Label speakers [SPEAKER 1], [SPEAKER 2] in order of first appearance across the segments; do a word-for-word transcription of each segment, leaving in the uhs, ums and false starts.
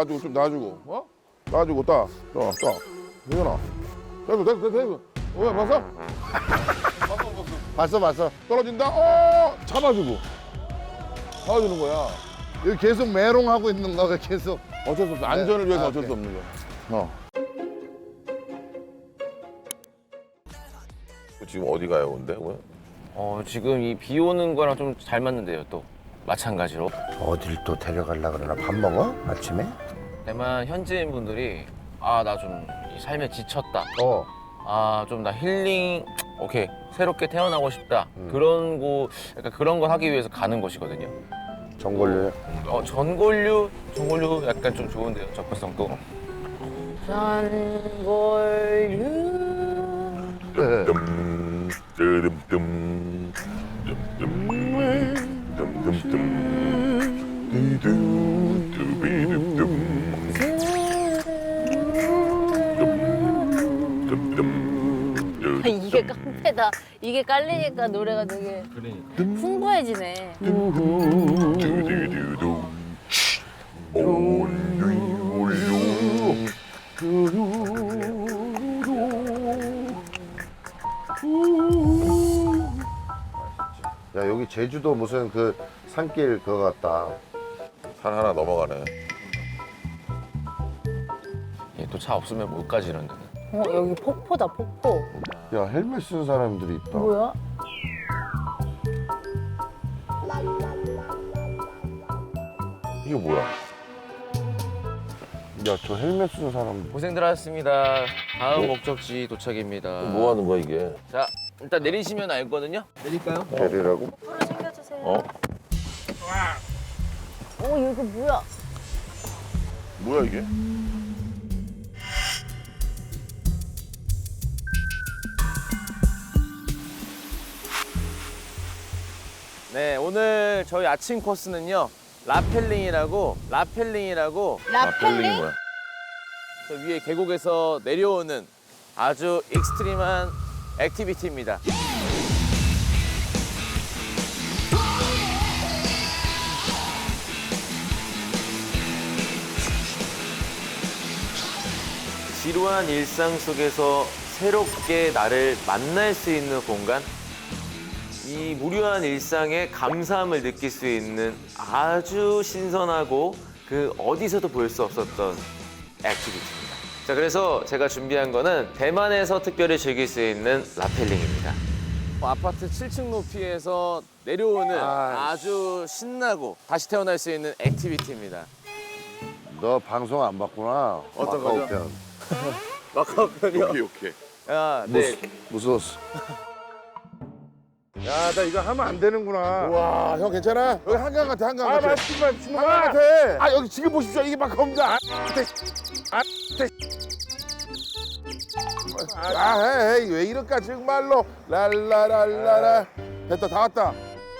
[SPEAKER 1] 놔주고 좀 놔주고 어? 놔주고 딱. 자, 딱. 되잖아. 됐어 됐어 됐어. 어, 왜 봤어?
[SPEAKER 2] 봤어 봤어.
[SPEAKER 1] 떨어진다. 어 잡아주고. 잡아주는 거야.
[SPEAKER 2] 여기 계속 메롱하고 있는 거야 계속.
[SPEAKER 1] 어쩔 수 없어. 안전을 위해서
[SPEAKER 2] 아,
[SPEAKER 1] 어쩔
[SPEAKER 2] 오케이.
[SPEAKER 1] 수 없는 거야. 어. 지금 어디 가요, 근데? 왜?
[SPEAKER 3] 어, 지금 이 비 오는 거랑 좀 잘 맞는데요, 또. 마찬가지로.
[SPEAKER 2] 어딜 또 데려가려 그러나? 밥 먹어? 아침에?
[SPEAKER 3] 대만 현지인 분들이 아, 나 좀 이 삶에 지쳤다.
[SPEAKER 2] 어.
[SPEAKER 3] 아, 좀 나 힐링, 오케이. 새롭게 태어나고 싶다.
[SPEAKER 2] 음.
[SPEAKER 3] 그런 거, 약간 그런 걸 하기 위해서 가는 곳이거든요.
[SPEAKER 2] 전골류에.
[SPEAKER 3] 어, 전골류? 전골류 약간 좀 좋은데요, 접근성도. 전골류.
[SPEAKER 1] 뜸, 뜸, 뜸, 뜸, 뜸, 뜸, 뚜비둠, 뜸, 뜸,
[SPEAKER 4] 아, 이게 깡패다. 이게 깔리니까 노래가 되게 풍부해지네.
[SPEAKER 1] 두두두두. 올류, 올류.
[SPEAKER 2] 야 여기 제주도 무슨 그 산길 그거 같다.
[SPEAKER 1] 산 하나 넘어가네.
[SPEAKER 3] 예, 또 차 없으면 못 가지, 이런 데는.
[SPEAKER 4] 어, 여기 폭포다, 폭포.
[SPEAKER 2] 야 헬멧 쓴 사람들이 있다.
[SPEAKER 4] 뭐야?
[SPEAKER 1] 이게 뭐야?
[SPEAKER 2] 야 저 헬멧 쓴 사람.
[SPEAKER 3] 고생들 하셨습니다. 다음 목적지 도착입니다.
[SPEAKER 1] 뭐 하는 거야, 이게?
[SPEAKER 3] 자, 일단 내리시면 알거든요? 내릴까요?
[SPEAKER 2] 데리라고?
[SPEAKER 4] 프로 챙겨주세요.
[SPEAKER 1] 어?
[SPEAKER 4] 어, 이거 뭐야?
[SPEAKER 1] 뭐야, 이게?
[SPEAKER 3] 네, 오늘 저희 아침 코스는요. 라펠링이라고, 라펠링이라고
[SPEAKER 4] 라펠링?
[SPEAKER 1] 뭐야?
[SPEAKER 3] 저 위에 계곡에서 내려오는 아주 익스트림한 액티비티입니다. 지루한 일상 속에서 새롭게 나를 만날 수 있는 공간? 이 무료한 일상에 감사함을 느낄 수 있는 아주 신선하고 그 어디서도 볼 수 없었던 액티비티입니다. 자, 그래서 제가 준비한 거는 대만에서 특별히 즐길 수 있는 라펠링입니다. 아파트 칠 층 높이에서 내려오는
[SPEAKER 2] 아,
[SPEAKER 3] 아주 신나고 다시 태어날 수 있는 액티비티입니다.
[SPEAKER 2] 너 방송 안 봤구나.
[SPEAKER 3] 어떤
[SPEAKER 2] 마카오
[SPEAKER 3] 거죠?
[SPEAKER 2] 편.
[SPEAKER 3] 마카오 편이요?
[SPEAKER 1] 오케이, 오케이.
[SPEAKER 3] 야, 네.
[SPEAKER 2] 무서웠어. 야 나 이거 하면 안 되는구나.
[SPEAKER 1] 와, 형 괜찮아? 여기 한강 같아, 한강
[SPEAKER 2] 아
[SPEAKER 1] 같아.
[SPEAKER 2] 맞지 맞지
[SPEAKER 1] 한강 같아. 아, 여기 지금 보십시오. 이게 마카오입니다. 아, 네. 아, 네. 아, 헤이, 왜 이럴까, 정말로. 랄라랄라라. 됐다, 다 왔다.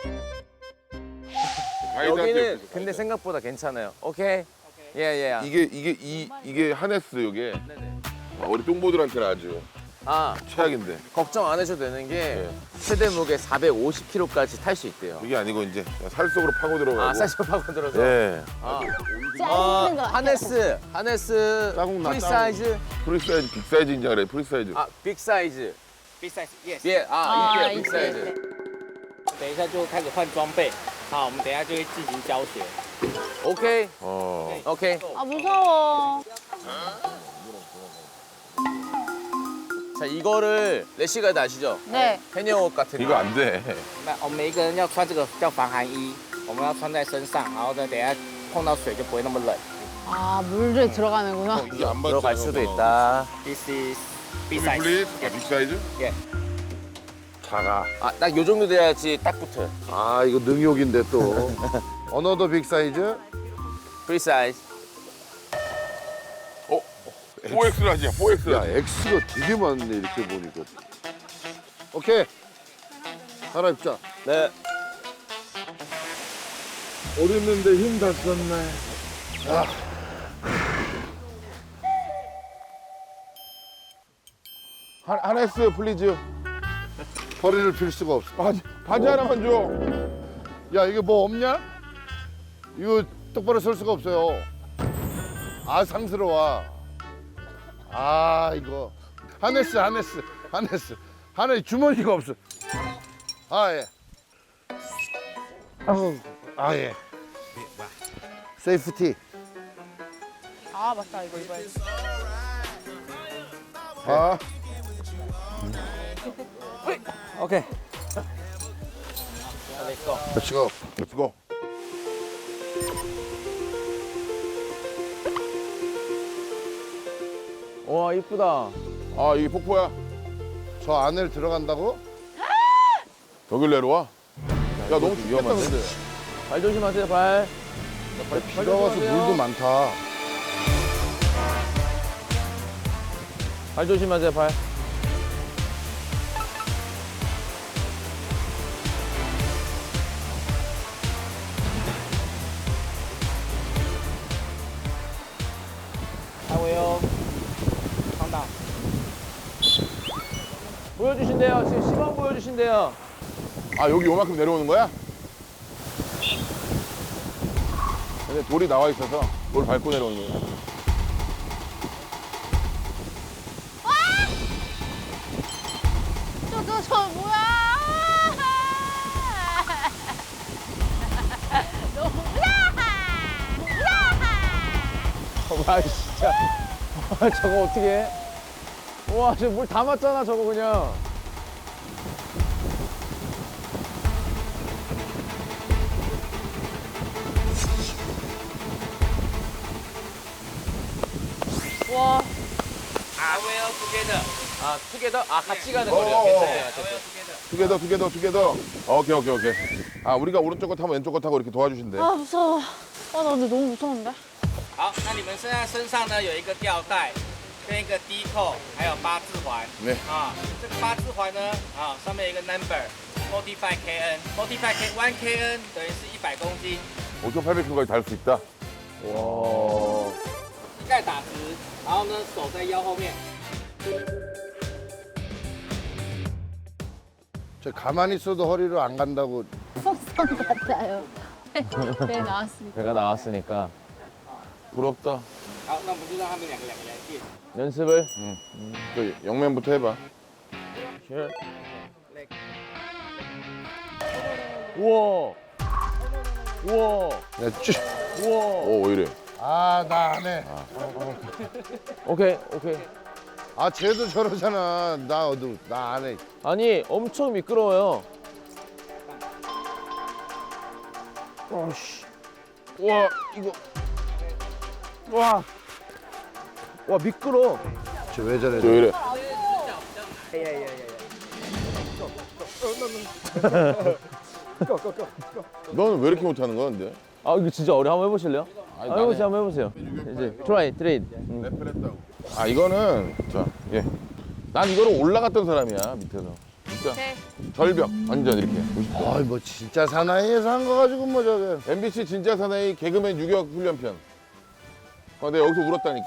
[SPEAKER 3] 여기는 근데 생각보다 괜찮아요. 오케이. 예, 예.
[SPEAKER 1] 이게, 이게, 이, 이게 하네스, 이게.
[SPEAKER 3] 네네.
[SPEAKER 1] 아, 우리 똥보들한테는 아주
[SPEAKER 3] 아,
[SPEAKER 1] 최악인데.
[SPEAKER 3] 걱정 안 하셔도 되는 게
[SPEAKER 1] 네.
[SPEAKER 3] 최대 무게 사백오십 킬로그램까지 탈 수 있대요.
[SPEAKER 1] 이게 아니고, 이제 살 속으로 파고 들어가고.
[SPEAKER 3] 아, 사실 파고 들어서.
[SPEAKER 1] 예.
[SPEAKER 3] 아,
[SPEAKER 4] 짧은
[SPEAKER 3] 어,
[SPEAKER 4] 거.
[SPEAKER 3] 하네스, 하네스
[SPEAKER 1] 짜국 나,
[SPEAKER 3] 프리
[SPEAKER 1] 짜국.
[SPEAKER 3] 사이즈,
[SPEAKER 1] 프리사이즈, 빅사이즈인지 그래, 프리사이즈.
[SPEAKER 3] 아, 빅 사이즈.
[SPEAKER 5] Big size, yes。
[SPEAKER 3] 예, 아,
[SPEAKER 4] 아,
[SPEAKER 3] 이게요, 빅
[SPEAKER 4] 이게.
[SPEAKER 3] 사이즈.
[SPEAKER 5] 等一下就开始换装备，好，我们等一下就会进行教学。
[SPEAKER 3] 오케이,
[SPEAKER 1] 어.
[SPEAKER 3] 오케이.
[SPEAKER 4] 아, 무서워.
[SPEAKER 3] 자, 이거를 레시가드 아시죠?
[SPEAKER 4] 네.
[SPEAKER 3] 해녀옷 같은 거.
[SPEAKER 1] 이거 안 돼.
[SPEAKER 5] 那我们每一个人要穿这个叫防寒衣，我们要穿在身上，然后呢，等一下碰到水就不会那么冷。
[SPEAKER 4] 아, 물에 들어가는구나.
[SPEAKER 1] 이게 안
[SPEAKER 3] 들어갈 수도 있다.
[SPEAKER 5] This is big
[SPEAKER 1] 플릿?
[SPEAKER 5] size.
[SPEAKER 1] 아, 빅사이즈?
[SPEAKER 2] 작아.
[SPEAKER 3] 아, 딱 요 정도 돼야지 딱 붙어요.
[SPEAKER 2] 아 이거 능욕인데 또. 어너더 빅 사이즈?
[SPEAKER 3] 프리 사이즈.
[SPEAKER 1] 어? 포엑스라지야, 포엑스라지.
[SPEAKER 2] 야 X가 되게 많네 이렇게 보니까. 오케이. 갈아입자.
[SPEAKER 3] 네.
[SPEAKER 2] 어렸는데 힘 다 썼네.
[SPEAKER 1] 하, 하네스, 플리즈.
[SPEAKER 2] 허리를 필 수가 없어.
[SPEAKER 1] 바지, 바지 하나만 줘.
[SPEAKER 2] 야 이게 뭐 없냐? 이거 똑바로 설 수가 없어요. 아 상스러워. 아 이거 하네스 하네스 하네스 하네 주머니가 없어. 아 예. 아우 아 예. 세이프티.
[SPEAKER 6] 아 맞다 이거 입어야지.
[SPEAKER 1] 아,
[SPEAKER 5] OK，
[SPEAKER 2] Let's go.
[SPEAKER 1] let's go.
[SPEAKER 3] 와 이쁘다.
[SPEAKER 1] 아, 이게 폭포야?
[SPEAKER 2] 저 안을 들어간다고?
[SPEAKER 1] 저길 내려와? 야, 너무 춥겠다,
[SPEAKER 3] 위험한데?
[SPEAKER 1] 근데.
[SPEAKER 3] 발 조심하세요 발.
[SPEAKER 2] 비가 와서 물도 많다.
[SPEAKER 3] 발 조심하세요 발.
[SPEAKER 5] 하고요. 상당.
[SPEAKER 3] 보여주신대요. 지금 시범 보여주신대요.
[SPEAKER 1] 아, 여기 요만큼 내려오는 거야? 근데 돌이 나와 있어서 돌 밟고 내려오는 거야.
[SPEAKER 4] 저, 저, 저 뭐야? 너무
[SPEAKER 3] 와 진짜. 와 저거 어떻게 해? 와 저 물 다 맞잖아 저거 그냥.
[SPEAKER 4] 와,
[SPEAKER 5] I will together.
[SPEAKER 3] 아 투게더? 아 같이 가는
[SPEAKER 1] 어,
[SPEAKER 3] 거죠?
[SPEAKER 1] 어,
[SPEAKER 3] 괜찮아요.
[SPEAKER 1] 어.
[SPEAKER 3] 괜찮아요.
[SPEAKER 1] 투게더, 투게더, 투게더. 오케이, 오케이, 오케이. 아, 우리가 오른쪽 거 타면 왼쪽 거 타고 이렇게 도와주신대.
[SPEAKER 4] 아 무서워. 아 나 근데 너무 무서운데.
[SPEAKER 5] 好，那你们现在身上呢有一个吊带，跟一个低扣，还有八字环。
[SPEAKER 1] 对
[SPEAKER 5] 啊，这个八字环呢，啊，上面有一个 number，forty-five kn，forty-five k one kn等于是一百公斤，
[SPEAKER 1] 오천팔백 킬로까지 달 수 있다. 와.
[SPEAKER 5] 膝盖打直，然后呢手在腰后面。
[SPEAKER 2] 저 가만히 있어도 허리로 안 간다고.
[SPEAKER 4] 속성 같아요. 배, 배 나왔으니까.
[SPEAKER 3] 배가 나왔으니까
[SPEAKER 1] 부럽다.
[SPEAKER 5] 好，那我们就让他们两个两个人进。
[SPEAKER 3] 연습을.
[SPEAKER 1] 저 영맨부터 해봐.
[SPEAKER 3] 우와. 우와.
[SPEAKER 2] 야, 쭈.
[SPEAKER 3] 우와.
[SPEAKER 1] 오, 왜 이래?
[SPEAKER 2] 아, 나 안 해.
[SPEAKER 3] 오케이 오케이.
[SPEAKER 2] 아, 쟤도 저러잖아. 나 어두, 나 안 해.
[SPEAKER 3] 아니 엄청 미끄러워요. 어씨. 와 이거. 와. 와 미끄러.
[SPEAKER 2] 쟤 왜 저래?
[SPEAKER 1] 저 왜 이래? 너는 왜 이렇게 못하는 거야, 근데?
[SPEAKER 3] 아 이거 진짜 어려. 한번 해보실래요?
[SPEAKER 1] 아니,
[SPEAKER 3] 한번 해보세요. 한번 해보세요. 이제 트라이 트레이.
[SPEAKER 1] 랩을 아, 이거는, 자, 예. 난 이거를 올라갔던 사람이야, 밑에서. 진짜.
[SPEAKER 4] 오케이.
[SPEAKER 1] 절벽, 완전 이렇게.
[SPEAKER 2] 아이, 뭐 진짜 사나이에서 한 거 가지고 뭐 저게.
[SPEAKER 1] 엠비씨 진짜 사나이 개그맨 유격 훈련편. 아, 내가 여기서 울었다니까?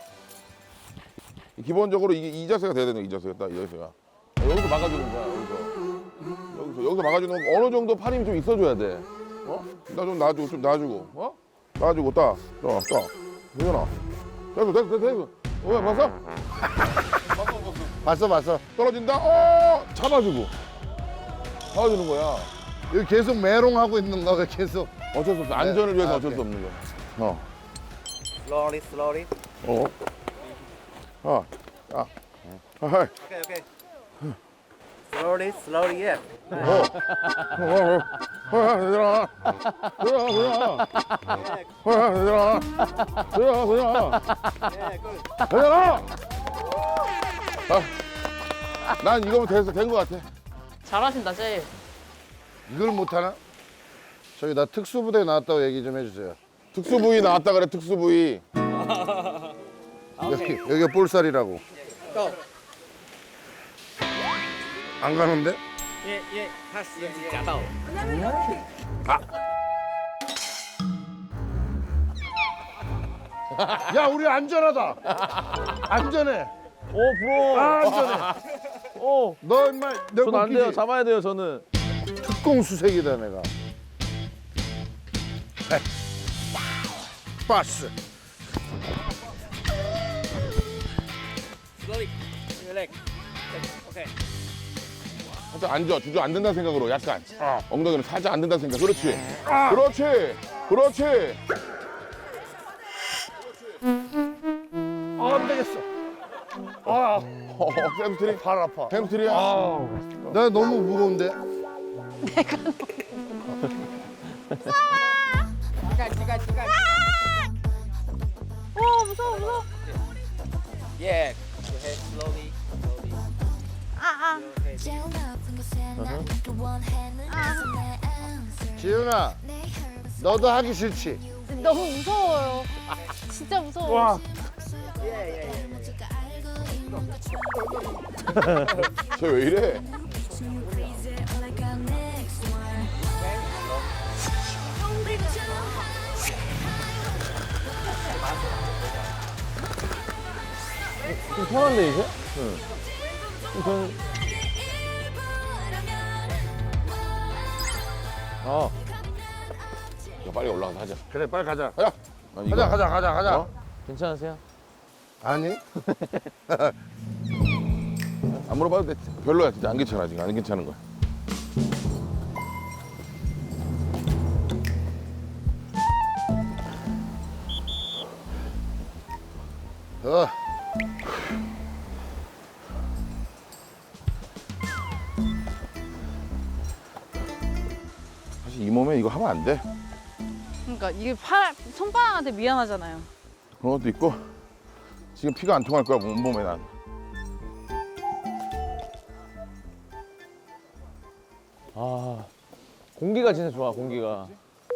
[SPEAKER 1] 기본적으로 이게 이 자세가 돼야 되는 거야, 이 자세가. 딱 이 자세가. 여기서 막아주는 거야, 여기서. 여기서, 여기서 막아주는 거 어느 정도 팔 힘이 좀 있어줘야 돼. 어? 나 좀 놔주고, 좀 놔주고. 어? 놔주고, 따. 따, 따. 되잖아. 됐어, 됐어, 됐어, 됐어. 어, 왜, 봤어?
[SPEAKER 2] 봤어, 봤어.
[SPEAKER 1] 떨어진다? 어! 잡아주고. 잡아주는 거야.
[SPEAKER 2] 여기 계속 메롱하고 있는 거가 계속.
[SPEAKER 1] 어쩔 수 없어. 안전을 위해서
[SPEAKER 2] 아,
[SPEAKER 1] 어쩔 수
[SPEAKER 2] 오케이.
[SPEAKER 1] 없는 거야. 어.
[SPEAKER 5] Slowly, slowly.
[SPEAKER 1] 어. 아. 아. 아, 하이.
[SPEAKER 5] Okay, okay. Slowly, slowly, yeah.
[SPEAKER 1] 어. 어, 어, 어. 어, 얘들아. 얘들아, 얘들아. 어, 얘들아. 얘들아, 얘들아.
[SPEAKER 5] Yeah, good.
[SPEAKER 1] 얘들아. 아. 난 이거면 돼서 된 거 같아.
[SPEAKER 4] 잘하신다 제일.
[SPEAKER 2] 이걸 못하나? 저기 나 특수부대 나왔다고 얘기 좀 해주세요.
[SPEAKER 1] 특수부위 나왔다 그래, 특수부위.
[SPEAKER 2] 여기, 여기가 볼살이라고.
[SPEAKER 5] Go.
[SPEAKER 2] 안 가는데?
[SPEAKER 5] 因为因为他食指夹到了。
[SPEAKER 2] 야, 우리 안전하다. 안전해.
[SPEAKER 3] 오 부러워.
[SPEAKER 2] 아, 안전해.
[SPEAKER 3] 오.
[SPEAKER 2] 너 인마 내
[SPEAKER 3] 전 안 돼요.
[SPEAKER 2] 웃기지?
[SPEAKER 3] 잡아야 돼요 저는.
[SPEAKER 2] 특공 수색이다 내가. 빠스.
[SPEAKER 5] Select. Okay.
[SPEAKER 1] 살짝 앉아. 주저앉는다는 생각으로 약간. 엉덩이는 살짝 앉는다는 생각. 그렇지. 그렇지. 그렇지.
[SPEAKER 2] 아, 안 되겠어. 아,
[SPEAKER 1] 어, 햄스트링?
[SPEAKER 2] 발 아파.
[SPEAKER 1] 햄스트링이야?
[SPEAKER 2] 나 너무 무거운데.
[SPEAKER 4] 오 무서워 무서워.
[SPEAKER 5] Yeah. Your head slowly. Slowly.
[SPEAKER 4] 아아.
[SPEAKER 2] 지윤아, 너도 하기 싫지?
[SPEAKER 4] 너무 무서워요. 진짜 무서워. 와.
[SPEAKER 1] 쟤 왜 이래?
[SPEAKER 3] 좀 편한데 이제? 응. 좀 아,
[SPEAKER 1] 야, 빨리 올라가서 하자.
[SPEAKER 2] 그래, 빨리 가자.
[SPEAKER 1] 가자. 난 이거-
[SPEAKER 2] 가자, 가자, 가자, 가자.
[SPEAKER 1] 어?
[SPEAKER 3] 괜찮으세요?
[SPEAKER 2] 아니?
[SPEAKER 1] 안 물어봐도 돼. 별로야. 진짜 안 괜찮아. 지금 안 괜찮은 거야.
[SPEAKER 2] 어.
[SPEAKER 1] 사실 이 몸에 이거 하면 안 돼.
[SPEAKER 6] 그러니까 이게 팔 손바닥한테 미안하잖아요.
[SPEAKER 1] 그런 것도 있고 지금 피가 안 통할 거야 몸에 난.
[SPEAKER 3] 아, 공기가 진짜 좋아, 공기가.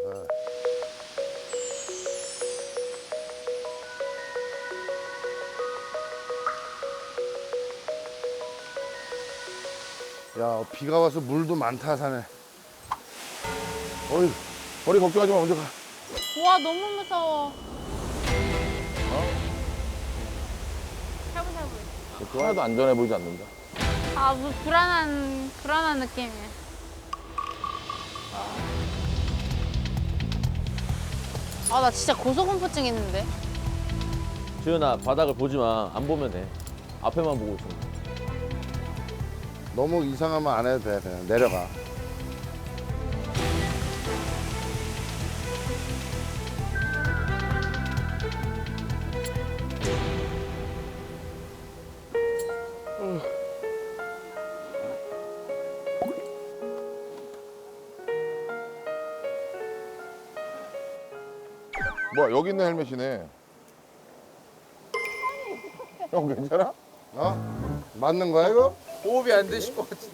[SPEAKER 2] 야, 비가 와서 물도 많다, 산에.
[SPEAKER 1] 어이, 머리 걱정하지 마. 먼저 가.
[SPEAKER 4] 와 너무 무서워. 샤브샤브.
[SPEAKER 1] 하나도 안전해 보이지 않는다.
[SPEAKER 4] 아, 뭐 불안한 불안한 느낌이야. 아, 나 진짜 고소공포증 있는데.
[SPEAKER 3] 지은아, 바닥을 보지 마. 안 보면 돼. 앞에만 보고 있어.
[SPEAKER 2] 너무 이상하면 안 해도 돼. 그냥 내려가.
[SPEAKER 1] 뭐야 여기 있는 헬멧이네. 형 괜찮아?
[SPEAKER 2] 어? 맞는 거야, 이거?
[SPEAKER 5] 호흡이 안 되실 것 같은데.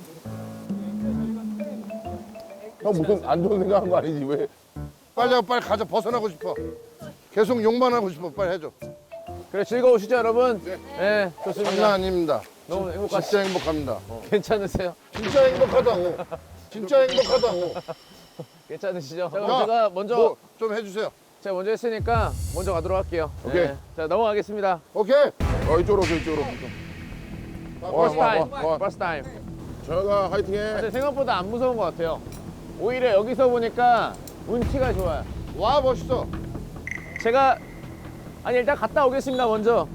[SPEAKER 1] 형 무슨 안 좋은 생각한 거 아니지 왜?
[SPEAKER 2] 빨리 하고 빨리 가자. 벗어나고 싶어. 계속 욕만 하고 싶어. 빨리 해줘.
[SPEAKER 3] 그래, 즐거우시죠, 여러분? 네, 좋습니다.
[SPEAKER 2] 장난 아닙니다.
[SPEAKER 3] 너무 행복하시
[SPEAKER 2] 진짜 행복합니다.
[SPEAKER 3] 괜찮으세요?
[SPEAKER 2] 진짜 행복하다고. 진짜 행복하다고.
[SPEAKER 3] 괜찮으시죠? 자, 그럼
[SPEAKER 2] 야,
[SPEAKER 3] 제가 먼저,
[SPEAKER 2] 뭐 좀 해주세요.
[SPEAKER 3] 제가 먼저 했으니까 먼저 가도록 할게요.
[SPEAKER 1] 오케이.
[SPEAKER 3] 네. 자, 넘어가겠습니다.
[SPEAKER 2] 오케이.
[SPEAKER 1] 어 이쪽으로 오세요 이쪽으로. 와,
[SPEAKER 3] First
[SPEAKER 1] 와,
[SPEAKER 3] time.
[SPEAKER 1] 와, 와.
[SPEAKER 3] First time.
[SPEAKER 1] 저희가 화이팅해.
[SPEAKER 3] 근데 생각보다 안 무서운 것 같아요. 오히려 여기서 보니까 운치가 좋아요.
[SPEAKER 2] 와, 멋있어.
[SPEAKER 3] 제가 아니 일단 갔다 오겠습니다 먼저.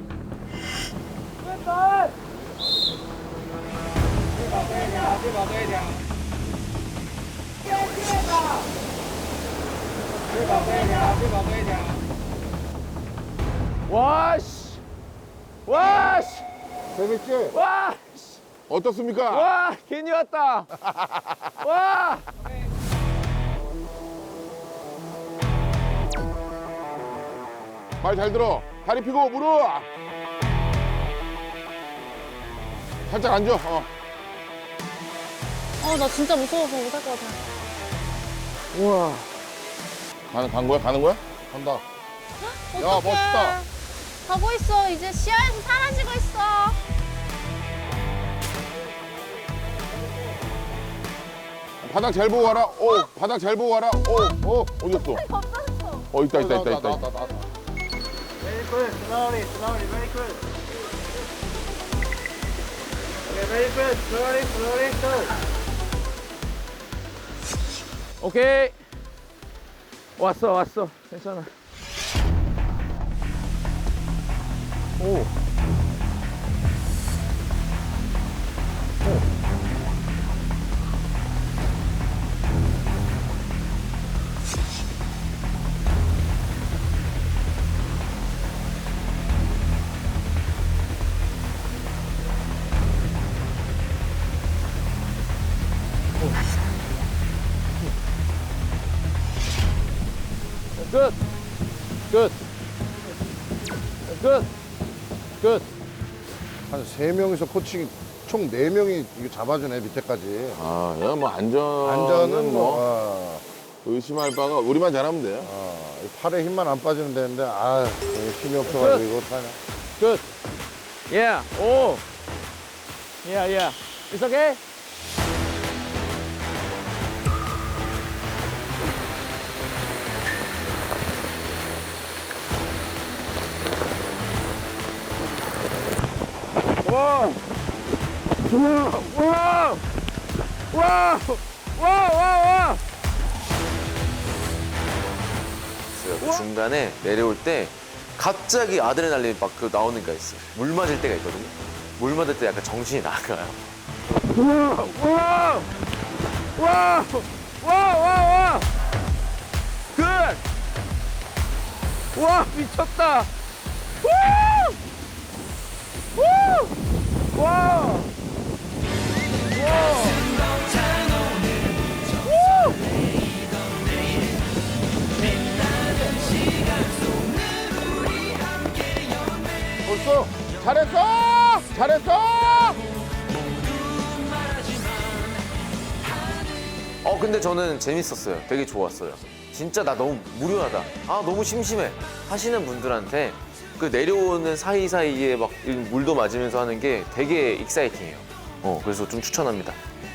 [SPEAKER 3] 와씨, 와씨,
[SPEAKER 2] 재밌지?
[SPEAKER 3] 와,
[SPEAKER 1] 어떻습니까?
[SPEAKER 3] 와, 괜히 왔다. 와.
[SPEAKER 1] 말 잘 들어. 다리 펴고 무릎. 살짝 앉아. 어.
[SPEAKER 4] 어, 나 진짜 무서워서 못 할 것 같아.
[SPEAKER 3] 우와.
[SPEAKER 1] 가는 간 거야? 가는 거야?
[SPEAKER 2] 간다.
[SPEAKER 1] 야 멋있다.
[SPEAKER 4] 가고 있어. 이제 시야에서 사라지고 있어.
[SPEAKER 1] 바닥 잘 보고 와라. 오, 바닥 잘 보고 와라. 오, 오, 어디 갔어?
[SPEAKER 4] 겁나겠어.
[SPEAKER 1] 어 있다 있다 있다 있다.
[SPEAKER 2] 나왔다, 나왔다.
[SPEAKER 5] Very good. Slowly, slowly, very good. Okay, very good. Slowly, slowly, good.
[SPEAKER 3] 오케이. 왔어, 왔어. 괜찮아. 오.
[SPEAKER 7] 끝. 끝.
[SPEAKER 2] 한 세 명이서 코칭 총 네 명이 이거 잡아주네 밑에까지.
[SPEAKER 1] 아, 야, 뭐 안전.
[SPEAKER 2] 안전은 뭐
[SPEAKER 1] 뭐
[SPEAKER 2] 어,
[SPEAKER 1] 의심할 바가 우리만 잘하면 돼요.
[SPEAKER 2] 어, 이 팔에 힘만 안 빠지면 되는데 아 힘이 없어가지고 이거 타냐.
[SPEAKER 7] 끝. 예. 오. 예, 예. It's okay? 와! 와! 와! 와! 와! 와!
[SPEAKER 3] 그 중간에 내려올 때 갑자기 아드레날린이 막 그 나오는 게 있어요. 물 맞을 때가 있거든요. 물 맞을 때 약간 정신이 나가요.
[SPEAKER 7] 와! 와! 와! 와! 와! 와! 끝! 와, 미쳤다! 와! 와! 와!
[SPEAKER 1] 벌써 잘했어! 잘했어!
[SPEAKER 3] 어 근데 저는 재밌었어요. 되게 좋았어요. 진짜 나 너무 무료하다. 아 너무 심심해 하시는 분들한테 그 내려오는 사이사이에 막 물도 맞으면서 하는 게 되게 익사이팅해요. 어 그래서 좀 추천합니다.